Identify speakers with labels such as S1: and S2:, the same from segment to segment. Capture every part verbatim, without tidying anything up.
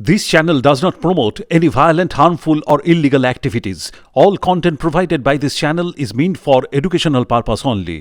S1: This channel does not promote any violent, harmful, or illegal activities. All content provided by this channel is meant for educational purpose only.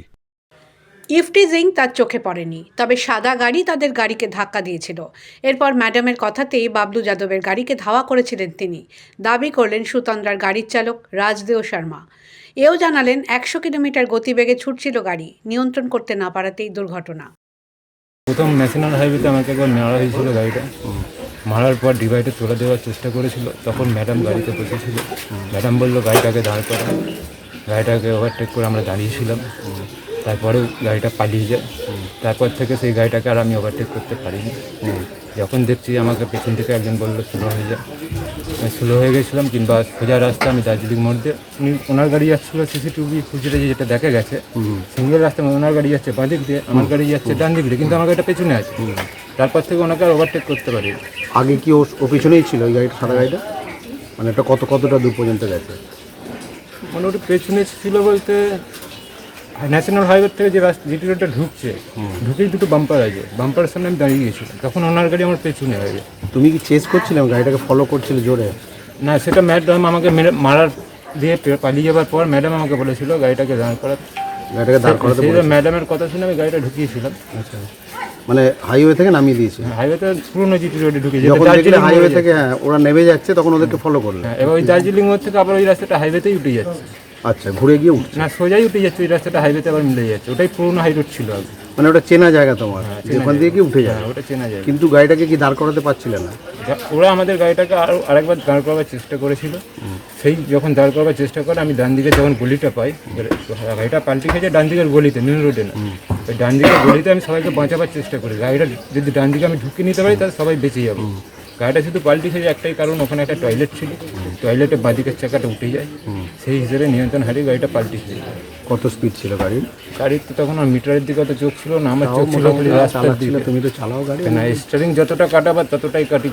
S2: Eve teasing তার চোখে পড়েনি, তবে সাদা গাড়ি তাদের গাড়িকে ধাক্কা দিয়েছিল। এরপর ম্যাডামের কথাতেই বাবলু যাদবের গাড়িকে ধাওয়া করেছিলেন তিনি। দাবি করলেন সুতন্দ্রার গাড়ির চালক রাজদেও শর্মা। এও জানালেন একশো কিলোমিটার গতিবেগে ছুটছিল গাড়ি, নিয়ন্ত্রণ করতে না পারাতেই দুর্ঘটনা।
S3: প্রথম ন্যাশনাল হাইওয়েতে আমাকে একবার মারা হয়েছিল গাড়িটা। মারার পর ডিভাইডে তুলে দেওয়ার চেষ্টা করেছিল, তখন ম্যাডাম গাড়িতে বসেছিল। ম্যাডাম বললো গাড়িটাকে দাঁড় করা। গাড়িটাকে ওভারটেক করে আমরা দাঁড়িয়েছিলাম। তারপরেও গাড়িটা পালিয়ে যায়। তারপর থেকে সেই গাড়িটাকে আর আমি ওভারটেক করতে পারিনি। যখন দেখছি আমাকে পেছন থেকে একজন বললো স্লো হয়ে যায়, আমি স্লো হয়ে গেছিলাম। কিংবা সোজা রাস্তা আমি দার্জিলিং মোড় দিয়ে, উনি ওনার গাড়ি যাচ্ছিলো সিসিটিভি ফুটেজে যেটা দেখা গেছে, সিঙ্গেল রাস্তায় ওনার গাড়ি যাচ্ছে বাঁ দিক দিয়ে, আমার গাড়ি যাচ্ছে ডান দিক দিয়ে, কিন্তু আমার গাড়িটা পেছনে আছে। তারপর থেকে ওনাকে আর ওভারটেক করতে পারি।
S4: আগে কি ও ও পিছনেই ছিল ওই গাড়িটা, সাদা গাড়িটা? মানে এটা কত কতটা দূর পর্যন্ত গেছে?
S3: মোটামুটি পেছনে ছিল বলতে ন্যাশনাল হাইওয়ে থেকে যে রাস্তা যেটি রোডটা ঢুকছে, ঢুকেই দুটো বাম্পার আছে, বাম্পারের সামনে আমি দাঁড়িয়ে গিয়েছিলাম। তখন ওনার গাড়ি আমার পেছনে হয়ে যায়।
S4: তুমি কি চেস করছিলে, গাড়িটাকে ফলো করছিলে জোরে?
S3: না, সেটা ম্যাডাম আমাকে মেরে মারার দিয়ে পালিয়ে যাবার পর ম্যাডাম আমাকে বলেছিল গাড়িটাকে দাঁড় করা।
S4: গাড়িটাকে দাঁড় করাতে বলেছিল?
S3: ম্যাডামের কথা শুনে আমি গাড়িটা ঢুকিয়েছিলাম।
S4: আচ্ছা, মানে হাইওয়ে থেকে নামিয়ে দিয়েছে?
S3: হাইওয়েতে পুরোনো জিটি রোডে ঢুকে
S4: যখন দেখলে হাইওয়ে থেকে হ্যাঁ ওরা নেমে যাচ্ছে, তখন ওদেরকে ফলো করলে?
S3: হ্যাঁ, এবার ওই দার্জিলিং মোড় থেকে আবার ওই রাস্তাটা হাইওয়েতেই উঠে যাচ্ছে।
S4: আচ্ছা, ঘুরে গিয়ে উঠছে?
S3: না, সোজাই উঠে যাচ্ছে, ওই রাস্তাটা হাইওয়েতে আবার মিলে যাচ্ছে। ওটাই পুরোনো হাই রোড ছিল আগে।
S4: মানে ওটা চেনা জায়গা তোমার, ওখান দিয়ে কি উঠে যায়?
S3: হ্যাঁ, ওটা চেনা যায়।
S4: কিন্তু গাড়িটাকে কি দাঁড় করাতে পারছিলে না?
S3: ওরা আমাদের গাড়িটাকে আরও আরেকবার দাঁড় করাবার চেষ্টা করেছিল। সেই যখন দাঁড় করবার চেষ্টা করে আমি ডান দিকে যখন গলিটা পাই, গাড়িটা পাল্টি খেয়েছে ডান দিকের গলিতে, মেন রোডে না, ওই ডান দিকের গলিতে আমি সবাইকে বাঁচাবার চেষ্টা করি। গাড়িটা যদি ডান দিকে আমি ঢুকে নিতে পারি তাহলে সবাই বেঁচে যাবো। গাড়িটা শুধু পাল্টি খেয়েছে একটাই কারণ, ওখানে একটা টয়লেট ছিল, টয়লেটে বাঁদিকের চাকাটা উঠে যায়, সেই হিসেবে নিয়ন্ত্রণ হারিয়ে গাড়িটা পাল্টি খেয়ে যায়।
S4: কত স্পিড ছিল গাড়ির?
S3: গাড়ির তো তখন আর মিটারের দিকে অত চোখ ছিল না, আমার চোখ ছিল রাস্তার দিকে।
S4: তুমি তো চালাও গাড়ি
S3: না, স্টিয়ারিং যতটা কাটাবার ততটাই কাটি।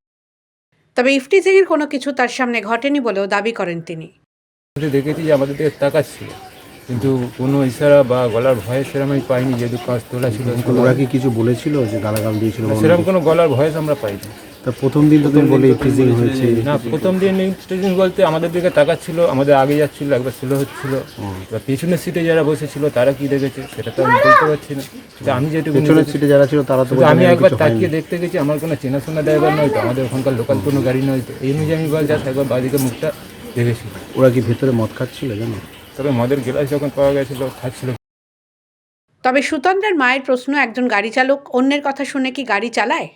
S2: তবে ইফটিজিংয়ের কোনো কিছু তার সামনে ঘটেনি বলেও দাবি করেন তিনি।
S3: দেখেছি যে আমাদের দিকে তাকাচ্ছিল, কিন্তু কোনো ইশারা বা গলার ভয়েস সেরকম আমি পাইনি, যেহেতু কাজ তোলা ছিল।
S4: ওরা কি কিছু বলেছিল যে গালাগাল দিয়েছিল?
S3: সেরকম কোনো গলার ভয়েস আমরা পাইনি।
S4: তা প্রথম দিন তো তুমি বলে ইফটিজিং হয়েছে?
S3: না, প্রথম দিন ইফটিজিং বলতে আমাদের দিকে তাকাচ্ছিল, আমাদের আগে যাচ্ছিল, একবার স্লো হচ্ছিল। এবার পিছনের সিটে যারা বসেছিল তারা কি দেখেছে সেটা তো আমি বলতে পারছি না। আমি যেটুকু
S4: পিছনের সিটে যারা ছিল তারা তো,
S3: আমি একবার তাকিয়ে দেখতে গেছি, আমার কোনো চেনাশোনা ড্রাইভার নয় তো, আমাদের ওখানকার লোকাল কোনো গাড়ি নয় তো, এই অনুযায়ী আমি বল যাস একবার বাদিকে মুখটা দেখেছি।
S4: ওরা কি ভেতরে মদ খাচ্ছিল জানো?
S3: তবে মদের গ্লাস যখন পাওয়া গেছিল খাচ্ছিল।
S2: তবে সুতন্দ্রার মায়ের প্রশ্ন, একজন গাড়ি চালক অন্যের কথা শুনে কি গাড়ি চালায়?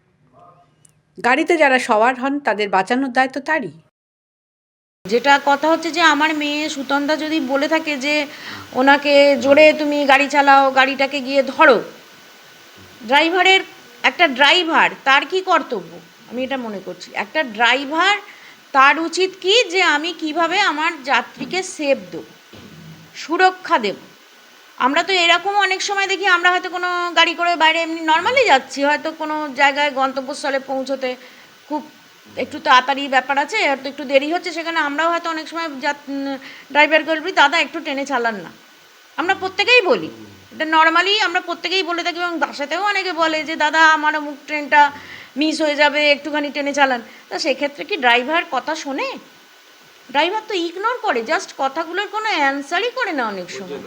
S2: গাড়িতে যারা সওয়ার হন তাদের বাঁচানোর দায়িত্ব তারই।
S5: যেটা কথা হচ্ছে যে আমার মেয়ে সুতন্দ্রা যদি বলে থাকে যে ওনাকে জোরে তুমি গাড়ি চালাও, গাড়িটাকে গিয়ে ধরো, ড্রাইভারের একটা ড্রাইভার তার কি কর্তব্য আমি এটা মনে করছি। একটা ড্রাইভার তার উচিত কি যে আমি কিভাবে আমার যাত্রীকে সেফ দেব, সুরক্ষা দেব। আমরা তো এরকম অনেক সময় দেখি, আমরা হয়তো কোনো গাড়ি করে বাইরে এমনি নর্মালি যাচ্ছি, হয়তো কোনো জায়গায় গন্তব্যস্থলে পৌঁছতে খুব একটু তাড়াতাড়ি ব্যাপার আছে, হয়তো একটু দেরি হচ্ছে, সেখানে আমরাও হয়তো অনেক সময় ড্রাইভারকে বলি দাদা একটু টেনে চালান না। আমরা প্রত্যেকেই বলি এটা, নর্মালি আমরা প্রত্যেকেই বলে থাকি, এবং বাসাতেও অনেকে বলে যে দাদা আমার অমুক ট্রেনটা মিস হয়ে যাবে, একটুখানি টেনে চালান। তা সেক্ষেত্রে কি ড্রাইভার কথা শোনে? ড্রাইভার তো ইগনোর করে, জাস্ট কথাগুলোর কোনো অ্যান্সারই করে না অনেক সময়।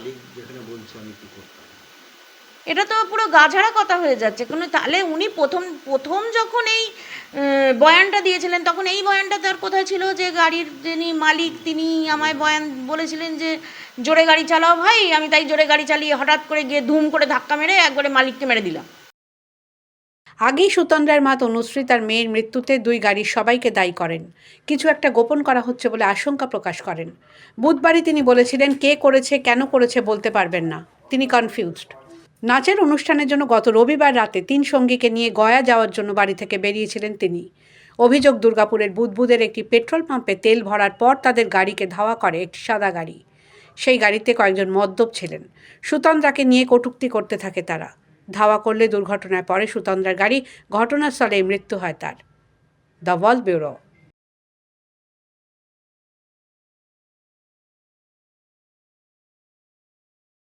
S5: এটা তো পুরো গাঝাড়া কথা হয়ে যাচ্ছে। কোনো তাহলে উনি প্রথম প্রথম যখন এই বয়ানটা দিয়েছিলেন তখন এই বয়ানটা তার কোথায় ছিল যে গাড়ির যিনি মালিক তিনি আমায় বয়ান বলেছিলেন যে জোরে গাড়ি চালাও ভাই, আমি তাই জোরে গাড়ি চালিয়ে হঠাৎ করে গিয়ে ধুম করে ধাক্কা মেরে একবারে মালিককে মেরে দিলাম।
S2: আগেই সুতন্দ্রার মা তনুশ্রী তার মেয়ের মৃত্যুতে দুই গাড়ির সবাইকে দায়ী করেন। কিছু একটা গোপন করা হচ্ছে বলে আশঙ্কা প্রকাশ করেন। বুধবারই তিনি বলেছিলেন কে করেছে কেন করেছে বলতে পারবেন না, তিনি কনফিউজড। নাচের অনুষ্ঠানের জন্য গত রবিবার রাতে তিন সঙ্গীকে নিয়ে গয়া যাওয়ার জন্য বাড়ি থেকে বেরিয়েছিলেন তিনি। অভিযোগ, দুর্গাপুরের বুদবুদের একটি পেট্রোল পাম্পে তেল ভরার পর তাদের গাড়িকে ধাওয়া করে একটি সাদা গাড়ি। সেই গাড়িতে কয়েকজন মদ্যপ ছিলেন। সুতন্দ্রাকে নিয়ে কটূক্তি করতে থাকে তারা। ধাওয়া করলে দুর্ঘটনায় পড়ে সুতন্দ্রার গাড়ি, ঘটনাস্থলেই মৃত্যু হয় তার। The world bureau.